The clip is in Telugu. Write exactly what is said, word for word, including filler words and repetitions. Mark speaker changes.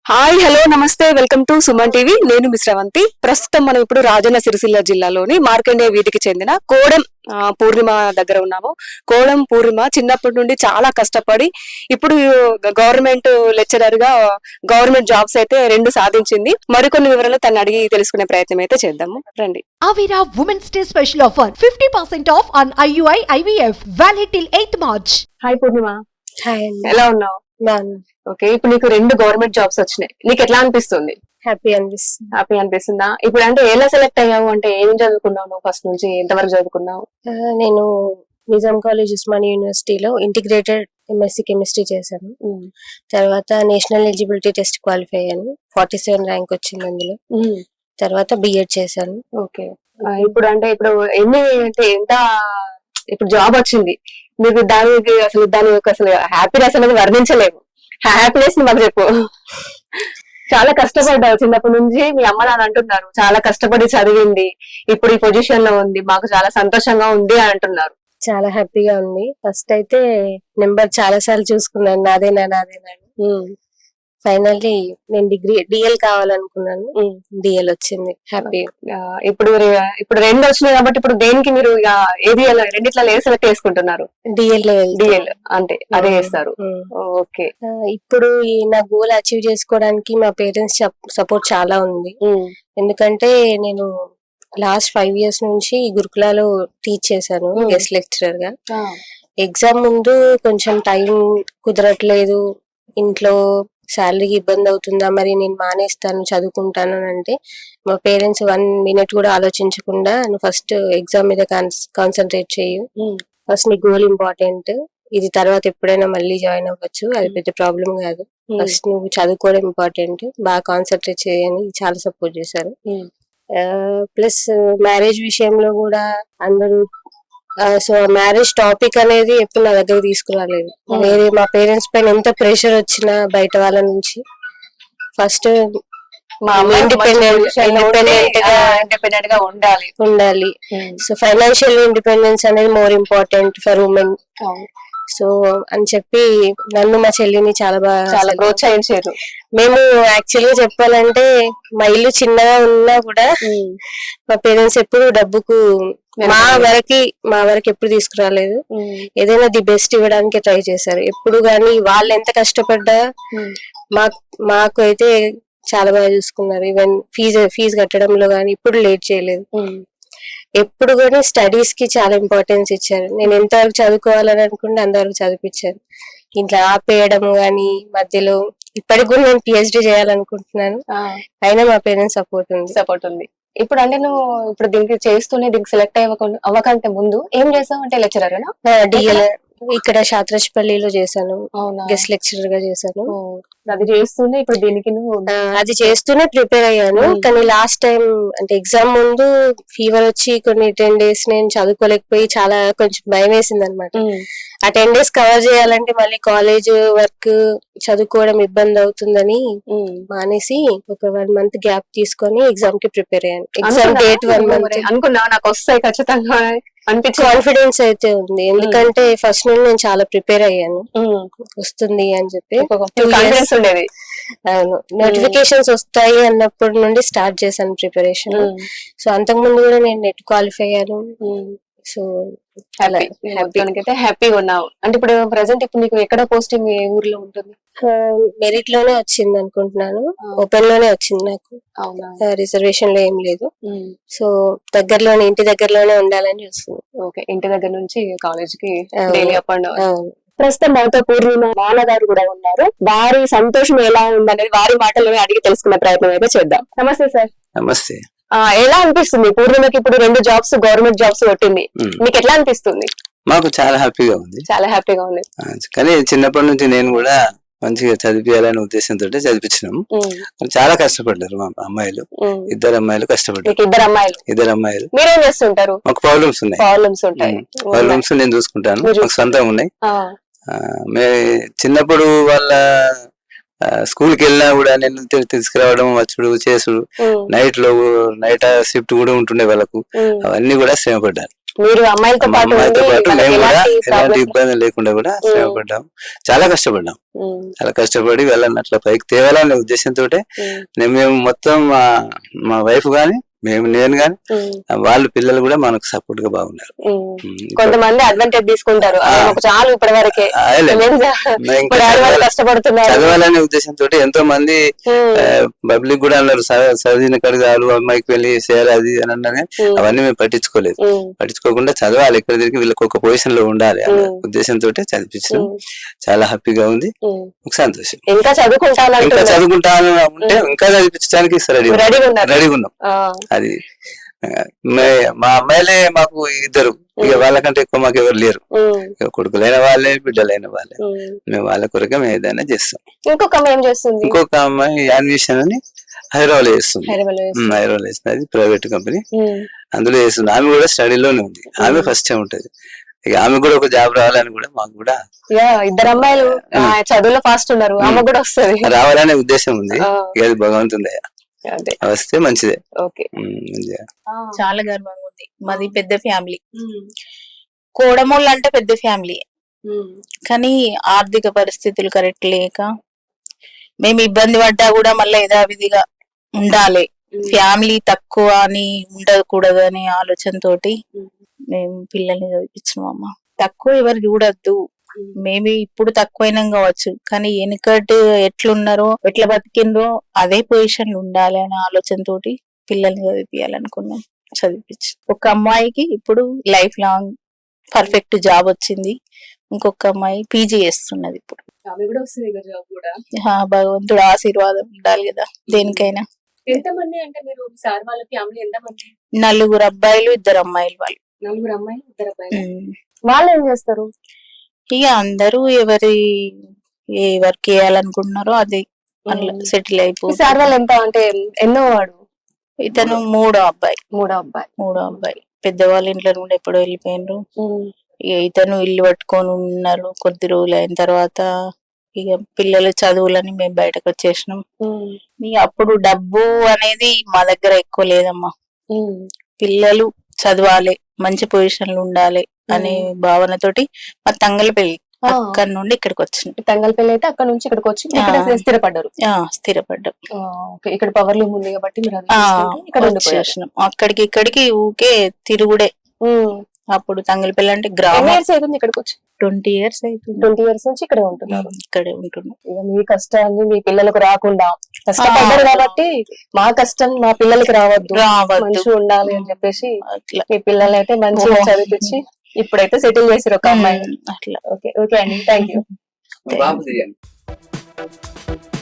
Speaker 1: హాయ్ హలో నమస్తే వెల్కమ్ టు సుమన్ టీవీ. నేను మిశ్రవంతి. ప్రస్తుతం మనం ఇప్పుడు రాజన్న సిరిసిల్ల జిల్లాలోని మార్కండే వీధికి చెందిన కోడెం ఆ, పూర్ణిమ దగ్గర ఉన్నాము. కోడెం పూర్ణిమ చిన్నప్పటి నుండి చాలా కష్టపడి ఇప్పుడు గవర్నమెంట్ లెక్చరర్ గా గవర్నమెంట్ జాబ్స్ అయితే రెండు సాధించింది. మరికొన్ని వివరాలు తను అడిగి తెలుసుకునే ప్రయత్నం అయితే చేద్దాము రండి.
Speaker 2: Avira Women's Day special offer fifty percent off on I U I I V F valid till eighth March.
Speaker 1: Hi Purnima,
Speaker 3: hi అండి.
Speaker 1: ఎలా ఉన్నావు?
Speaker 3: బాగున్నా.
Speaker 1: ఓకే, ఇప్పుడు నీకు రెండు గవర్నమెంట్ జాబ్స్ వచ్చినాయి. నీకు ఎట్లా అనిపిస్తుంది?
Speaker 3: హ్యాపీ అనిపిస్తుంది.
Speaker 1: హ్యాపీ అనిపిస్తుందా? ఇప్పుడు అంటే ఎలా సెలెక్ట్ అయ్యావు? అంటే ఏం చదువుకున్నావు నువ్వు? ఫస్ట్ నుంచి ఎంతవరకు చదువుకున్నావు?
Speaker 3: ఆ, నేను నిజాం కాలేజ్ ఉస్మానియా యూనివర్సిటీలో ఇంటిగ్రేటెడ్ ఎంఎస్సి కెమిస్ట్రీ చేశాను. తర్వాత నేషనల్ ఎలిజిబిలిటీ టెస్ట్ క్వాలిఫై అయ్యాను. ఫార్టీ సెవెన్ ర్యాంక్ వచ్చింది అందులో. తర్వాత బిఎడ్ చేశాను.
Speaker 1: ఓకే, ఇప్పుడు అంటే ఇప్పుడు ఎన్ని అంటే ఎంత ఇప్పుడు జాబ్ వచ్చింది మీకు, దానికి అసలు దాని యొక్క అసలు హ్యాపీనెస్ అనేది వర్ణించలేము. హ్యాపీనెస్ మాకు చెప్పు. చాలా కష్టపడ్డావు చిన్నప్పటి నుంచి. మీ అమ్మ నాన్న అంటున్నారు చాలా కష్టపడి చదివింది, ఇప్పుడు ఈ పొజిషన్ లో ఉంది, మాకు చాలా సంతోషంగా ఉంది అని అంటున్నారు.
Speaker 3: చాలా హ్యాపీగా ఉంది. ఫస్ట్ అయితే నెంబర్ చాలా సార్లు చూసుకున్నాను, నాదేనా నాదేనా అని. ఫైనల్లీ నేను డిగ్రీ డిఎల్ కావాలనుకున్నాను, డిఎల్ వచ్చింది. హ్యాపీ.
Speaker 1: ఇప్పుడు రె- ఇప్పుడు రెండు వచ్చినాయి కాబట్టి ఇప్పుడు దేనికి మీరు ఇక ఏది రెండిట్లా ఏ సెలెక్ట్ చేసుకుంటున్నారు?
Speaker 3: డిఎల్
Speaker 1: డిఎల్ అంటే అదే చేస్తారు. ఓకే.
Speaker 3: ఇప్పుడు ఈ నా గోల్ అచీవ్ చేసుకోవడానికి మా పేరెంట్స్ సపోర్ట్ చాలా ఉంది. ఎందుకంటే నేను లాస్ట్ ఫైవ్ ఇయర్స్ నుంచి గురుకులాలో టీచ్ చేశాను గెస్ట్ లెక్చరర్ గా. ఎగ్జామ్ ముందు కొంచెం టైం కుదరట్లేదు, ఇంట్లో శాలరీకి ఇబ్బంది అవుతుందా, మరి నేను మానేస్తాను చదువుకుంటాను అని అంటే మా పేరెంట్స్ వన్ మినిట్ కూడా ఆలోచించకుండా నువ్వు ఫస్ట్ ఎగ్జామ్ మీద కాన్సన్ట్రేట్ చేయు, ఫస్ట్ నీ గోల్ ఇంపార్టెంట్, ఇది తర్వాత ఎప్పుడైనా మళ్ళీ జాయిన్ అవ్వచ్చు, అది పెద్ద ప్రాబ్లం కాదు, ఫస్ట్ నువ్వు చదువుకోవడం ఇంపార్టెంట్, బాగా కాన్సన్ట్రేట్ చేయని చాలా సపోర్ట్ చేశారు. ప్లస్ మ్యారేజ్ విషయంలో కూడా అందరూ సో మ్యారేజ్ టాపిక్ అనేది ఎప్పుడు నా దగ్గర తీసుకురాలేదు. వేరే మా పేరెంట్స్ పైన ఎంత ప్రెషర్ వచ్చినా బయట వాళ్ళ నుంచి ఫస్ట్ ఇండిపెండెంట్ ఇండిపెండెంట్ గా
Speaker 1: ఇండిపెండెంట్ గా ఉండాలి
Speaker 3: ఉండాలి. సో ఫైనాన్షియల్ ఇండిపెండెన్స్ అనేది more important for women. So అని చెప్పి నన్ను మా చెల్లిని చాలా బాగా
Speaker 1: చాలా ప్రోత్సహించారు.
Speaker 3: మేము యాక్చువల్ గా చెప్పాలంటే మా ఇల్లు చిన్నగా ఉన్నా కూడా మా పేరెంట్స్ ఎప్పుడు డబ్బుకు మా వరకు మా వరకు ఎప్పుడు తీసుకురాలేదు. ఏదైనా ది బెస్ట్ ఇవ్వడానికి ట్రై చేశారు ఎప్పుడు. గానీ వాళ్ళు ఎంత కష్టపడ్డా మాకు మాకు అయితే చాలా బాగా చూసుకున్నారు. ఈవెన్ ఫీజు ఫీజు కట్టడంలో గానీ ఇప్పుడు లేట్ చేయలేదు. ఎప్పుడు కూడా స్టడీస్ కి చాలా ఇంపార్టెన్స్ ఇచ్చారు. నేను ఎంతవరకు చదువుకోవాలని అనుకుంటే అంతవరకు చదివించారు. ఇంట్లో ఆపేయడం గానీ మధ్యలో ఇప్పటికి కూడా నేను పిహెచ్డి చేయాలనుకుంటున్నాను, అయినా మా పేరెంట్స్ సపోర్ట్ ఉంది
Speaker 1: సపోర్ట్ ఉంది. ఇప్పుడు అంటే నువ్వు ఇప్పుడు దీనికి చేస్తూనే దీనికి సెలెక్ట్ అవ్వకుండా అవ్వకంటే ముందు ఏం చేసావు? అంటే లెక్చరర్
Speaker 3: డిఎల్ ఇక్కడ శాత్రాజ్పల్లిలో చేశాను,
Speaker 1: అవునా?
Speaker 3: గెస్ట్ లెక్చరర్ గా చేశాను.
Speaker 1: అది చేస్తూనే ఇప్పుడు దీనికి నువ్వు
Speaker 3: అది చేస్తూనే ప్రిపేర్ అయ్యాను. కానీ లాస్ట్ టైం అంటే ఎగ్జామ్ ముందు ఫీవర్ వచ్చి కొన్ని టెన్ డేస్ నేను చదువుకోలేకపోయి చాలా కొంచెం భయం వేసింది అనమాట. ఆ టెన్ డేస్ కవర్ చేయాలంటే మళ్ళీ కాలేజ్ వర్క్ చదువుకోవడం ఇబ్బంది అవుతుందని మానేసి ఒక వన్ మంత్ గ్యాప్ తీసుకొని ఎగ్జామ్ కి ప్రిపేర్ అయ్యాను. ఎగ్జామ్ డేట్ వన్ మంత్
Speaker 1: అనుకున్నా నాకు వస్తాయి ఖచ్చితంగా అనిపించి
Speaker 3: కాన్ఫిడెన్స్ అయితే ఉంది. ఎందుకంటే ఫస్ట్ నుండి నేను చాలా ప్రిపేర్ అయ్యాను వస్తుంది అని చెప్పి.
Speaker 1: కాన్ఫిడెన్స్ ఉండేది.
Speaker 3: అవును, నోటిఫికేషన్స్ వస్తాయి అన్నప్పటి నుండి స్టార్ట్ చేశాను ప్రిపరేషన్. సో అంతకు ముందు కూడా నేను నెట్ క్వాలిఫై అయ్యాను. సో
Speaker 1: అయితే హ్యాపీగా ఉన్నావు. అంటే ఇప్పుడు ప్రెసెంట్ ఇప్పుడు నీకు ఎక్కడ పోస్టింగ్ ఏ ఊర్లో ఉంటుంది?
Speaker 3: మెరిట్ లోనే వచ్చింది అనుకుంటున్నాను, ఓపెన్ లోనే వచ్చింది నాకు, రిజర్వేషన్ లో ఏం లేదు. సో దగ్గరలోనే ఇంటి దగ్గరలోనే ఉండాలని చూస్తుంది.
Speaker 1: ఓకే, ఇంటి దగ్గర నుంచి కాలేజ్ కి డైలీ అప్ అండ్ డౌన్. ప్రస్తుతం మాతో పూర్ణిమ నాన్నగారు కూడా ఉన్నారు. వారి సంతోషం ఎలా ఉందనేది వారి మాటల్లోనే అడిగి తెలుసుకునే ప్రయత్నం అయితే చేద్దాం. నమస్తే సార్.
Speaker 4: నమస్తే.
Speaker 1: ఆ ఎలా అనిపిస్తుంది పూర్ణిమకి ఇప్పుడు రెండు జాబ్స్ గవర్నమెంట్ జాబ్స్ కొట్టింది, మీకు ఎట్లా అనిపిస్తుంది?
Speaker 4: మాకు చాలా హ్యాపీగా ఉంది.
Speaker 1: చాలా హ్యాపీగా ఉంది.
Speaker 4: కానీ చిన్నప్పటి నుంచి నేను కూడా మంచిగా చదివియాలనే ఉద్దేశంతో చదివించినాము. చాలా కష్టపడ్డారు మా అమ్మాయిలు, ఇద్దరు అమ్మాయిలు కష్టపడ్డారు.
Speaker 1: ఇద్దరు అమ్మాయిలు
Speaker 4: ఇద్దరు అమ్మాయిలు
Speaker 1: మీరేం చేస్తుంటారు?
Speaker 4: మాకు ప్రాబ్లమ్స్ ఉన్నాయి.
Speaker 1: ప్రాబ్లమ్స్ ఉంటాయి.
Speaker 4: ప్రాబ్లమ్స్ నేను చూసుకుంటాను, మాకు సొంతంగా ఉన్నాయి. మే చిన్నప్పుడు వాళ్ళ స్కూల్ కి వెళ్ళినా కూడా నేను తీసుకురావడం, వచ్చుడు, చేసుడు, నైట్ లో నైట్ షిఫ్ట్ కూడా ఉంటుండే వాళ్ళకు, అవన్నీ కూడా శ్రమ పడ్డాను.
Speaker 1: మీరు అమ్మాయిలతో
Speaker 4: మా
Speaker 1: పాటు
Speaker 4: అమ్మాయితో
Speaker 1: ఉండి
Speaker 4: పాటు
Speaker 1: వాళ్ళకి
Speaker 4: మేము కూడా
Speaker 1: ఎలాంటి
Speaker 4: ఎలాంటి
Speaker 1: problems-
Speaker 4: ఇబ్బంది లేకుండా కూడా శ్రమ పడ్డాం, చాలా కష్టపడ్డాం.
Speaker 1: ఉమ్,
Speaker 4: చాలా కష్టపడి వెళ్ళాలని అట్లా పైకి తేవాలనే ఉద్దేశంతో
Speaker 1: ఉమ్,
Speaker 4: మేము మొత్తం మా మా వైఫ్ గాని మేము నేను గాని
Speaker 1: ఉమ్,
Speaker 4: వాళ్ళ పిల్లలు కూడా మనకు సపోర్ట్ గా బాగున్నారు.
Speaker 1: ఉమ్.
Speaker 4: ఉమ్, ఇప్పుడు-
Speaker 1: కొంతమంది అడ్వాంటేజ్ తీసుకుంటారు
Speaker 4: ఆ.
Speaker 1: మాకు చాలు ఇప్పటి వరకే
Speaker 4: ఆ, లే.
Speaker 1: మేము
Speaker 4: ఇంకా
Speaker 1: ఇప్పుడు ఆడవాళ్ళు
Speaker 4: చదవాలి-
Speaker 1: కష్టపడుతున్నారు.
Speaker 4: చదవాలనే ఉద్దేశంతో ఎంతో మంది
Speaker 1: ఉమ్,
Speaker 4: పబ్లిక్ కూడా అన్నారు చ- చదివిన కడిగి చాలు అమ్మాయికి పెళ్లి చేయాలి అది అని అన్నారు కానీ
Speaker 1: ఉమ్,
Speaker 4: అవన్నీ మేము పట్టించుకోలేదు.
Speaker 1: ఉమ్,
Speaker 4: పట్టించుకోకుండా చదవాలి, ఎక్కడ తిరిగి వీళ్ళకి ఒక పొజిషన్ లో ఉండాలి అనే
Speaker 1: ఉమ్.
Speaker 4: ఉద్దేశంతో చదివించడం
Speaker 1: ఉమ్,
Speaker 4: చాలా హ్యాపీగా ఉంది,
Speaker 1: ఉమ్.
Speaker 4: సంతోషం.
Speaker 1: ఇంకా
Speaker 4: ఇంకా
Speaker 1: చదువుకుంటానంటున్నారు.
Speaker 4: చదువుకుంటాను ఉంటే ఇంకా చదివించడానికి రెడీ
Speaker 1: రెడీగా ఉన్నారు.
Speaker 4: రెడీగా ఉన్నాం.
Speaker 1: ఆ,
Speaker 4: అది ఆ, మే- మా అమ్మాయిలే మాకు ఇద్దరు, ఇక వాళ్ళకంటే ఎక్కువ మాకు ఎవరు లేరు.
Speaker 1: ఉమ్,
Speaker 4: ఇక కొడుకులైన వాళ్ళే బిడ్డలైన వాళ్ళే,
Speaker 1: ఉమ్.
Speaker 4: మేము వాళ్ళ కొరకే మేము ఏదైనా చేస్తాం.
Speaker 1: ఇంకొక అమ్మాయి ఏం చేస్తుంది?
Speaker 4: ఇంకొక అమ్మాయి యాన్విషన్ అని హైదరాబాద్ చేస్తుంది.
Speaker 1: హైదరాబాద్ లో చేస్తుంది.
Speaker 4: హైదరాబాద్ చేస్తుంది, అది ప్రైవేట్ కంపెనీ,
Speaker 1: ఉమ్,
Speaker 4: అందులో చేస్తుంది. ఆమె కూడా స్టడీలోనే ఉంది, ఆమె ఫస్ట్ టైం ఉంటది. ఇక ఆమె కూడా ఒక జాబ్ రావాలని కూడా మాకు కూడా
Speaker 1: యా, ఇద్దరు అమ్మాయిలు ఆ, చదువులో ఫాస్ట్ ఉన్నారు, ఆమె కూడా వస్తుంది.
Speaker 4: రావాలనే ఉద్దేశం ఉంది.
Speaker 1: ఆ.
Speaker 4: ఇక అది భగవంతుంది,
Speaker 1: అదే,
Speaker 4: వస్తే మంచిదే.
Speaker 1: ఓకే.
Speaker 4: ఉమ్, మంచిదే.
Speaker 5: చాలా గర్వంగా ఉంది. మాది పెద్ద ఫ్యామిలీ, కోడమూళ్ళు అంటే పెద్ద ఫ్యామిలీ, కానీ ఆర్థిక పరిస్థితులు కరెక్ట్ లేక మేము ఇబ్బంది పడ్డా కూడా మళ్ళీ యథావిధిగా ఉండాలి, ఫ్యామిలీ తక్కువ అని ఉండకూడదు అనే ఆలోచనతోటి మేము పిల్లల్ని చదివించినాం. అమ్మ తక్కువ ఎవరు చూడొద్దు, మేబీ ఇప్పుడు తక్కువైనా కావచ్చు, కానీ వెనుకటి ఎట్లున్నారో ఎట్లా బతికిండ్రో అదే పొజిషన్ లో ఉండాలి అనే ఆలోచనతోటి పిల్లల్ని చదివించాలనుకున్నాం. చదివించి ఒక అమ్మాయికి ఇప్పుడు లైఫ్ లాంగ్ పర్ఫెక్ట్ జాబ్ వచ్చింది, ఇంకొక అమ్మాయి పీజీ చేస్తున్నది ఇప్పుడు.
Speaker 1: ఆమె కూడా వస్తుంది కదా జాబ్ కూడా.
Speaker 5: ఆ, భగవంతుడు ఆశీర్వాదం ఉండాలి కదా దేనికైనా.
Speaker 1: ఎంతమంది అంటే మీరు సార్ వాళ్ళ ఫ్యామిలీ ఎంతమంది?
Speaker 5: నలుగురు అబ్బాయిలు ఇద్దరు అమ్మాయిలు వాళ్ళు.
Speaker 1: నలుగురు అమ్మాయి ఇద్దరు అబ్బాయి.
Speaker 5: ఉమ్.
Speaker 1: వాళ్ళు ఏం చేస్తారు?
Speaker 5: ఇక అందరూ ఎవరి ఏ వర్క్ చేయాలనుకుంటున్నారో అది అట్లా
Speaker 1: ఉమ్.
Speaker 5: సెటిల్
Speaker 1: ఈ
Speaker 5: అయిపోయి.
Speaker 1: సార్ వాళ్ళు ఎంత అంటే ఎన్నో వాడు?
Speaker 5: ఇతను మూడో అబ్బాయి.
Speaker 1: మూడో అబ్బాయి.
Speaker 5: మూడో అబ్బాయి పెద్దవాళ్ళ ఇంట్లో నుండి ఎప్పుడో వెళ్ళిపోయినరు.
Speaker 1: ఉమ్,
Speaker 5: ఇక ఇతను ఇల్లు పట్టుకొని ఉన్నారు. కొద్ది రోజులు అయిన తర్వాత ఇక పిల్లల చదువులని మేము బయటకు వచ్చేసినాం.
Speaker 1: ఉమ్,
Speaker 5: ఇక అప్పుడు డబ్బు అనేది మా దగ్గర ఎక్కువ లేదమ్మా,
Speaker 1: ఉమ్,
Speaker 5: పిల్లలు చదవాలి, మంచి పొజిషన్ లో ఉండాలి అనే భావనతోటి మా తంగల పెళ్లి
Speaker 1: ఆ.
Speaker 5: అక్కడి నుండి ఇక్కడికి వచ్చిన.
Speaker 1: తంగల్పల్లి అయితే అక్కడ నుంచి ఇక్కడికి వచ్చి ఇక్కడ
Speaker 5: ఆ.
Speaker 1: స్థిరపడ్డారు.
Speaker 5: ఆ, స్థిరపడ్డాం.
Speaker 1: ఆ, ఓకే. ఇక్కడ పవర్ లూమ్ ఉంది కాబట్టి మీరు అది
Speaker 5: ఆ,
Speaker 1: చూసుకుంటూ ఇక్కడ ఉండిపోయారు.
Speaker 5: వచ్చేసినాం. అక్కడికి ఇక్కడికి ఊకే తిరుగుడే.
Speaker 1: ఉమ్.
Speaker 5: అప్పుడు తంగలపల్లి అంటే
Speaker 1: ఎన్ని
Speaker 5: గ్రామం.
Speaker 1: ఇయర్స్ అవుతుంది ఇక్కడికి వచ్చి?
Speaker 5: ట్వంటీ ఇయర్స్ అవుతుంది
Speaker 1: ట్వంటీ ఇయర్స్ నుంచి ఇక్కడే ఉంటున్నారు.
Speaker 5: ఇక్కడే ఉంటున్నాం.
Speaker 1: ఇక మీ కష్టాన్ని మీ పిల్లలకు రాకుండా కష్టపడ్డారు
Speaker 5: ఆ.
Speaker 1: కాబట్టి మా కష్టం మా పిల్లలకి రావద్దు,
Speaker 5: రావద్దు
Speaker 1: మంచిగా ఉండాలి అని చెప్పేసి
Speaker 5: అట్లా.
Speaker 1: మీ పిల్లల్ని అయితే మంచిగా
Speaker 5: ఓ.
Speaker 1: చదివించి ఇప్పుడైతే సెటిల్ చేసారు ఒక అమ్మాయి.
Speaker 5: ఉమ్, అట్లా.
Speaker 1: ఓకే ఓకే అండి, థ్యాంక్ యూ.
Speaker 4: బాబు తీయండి.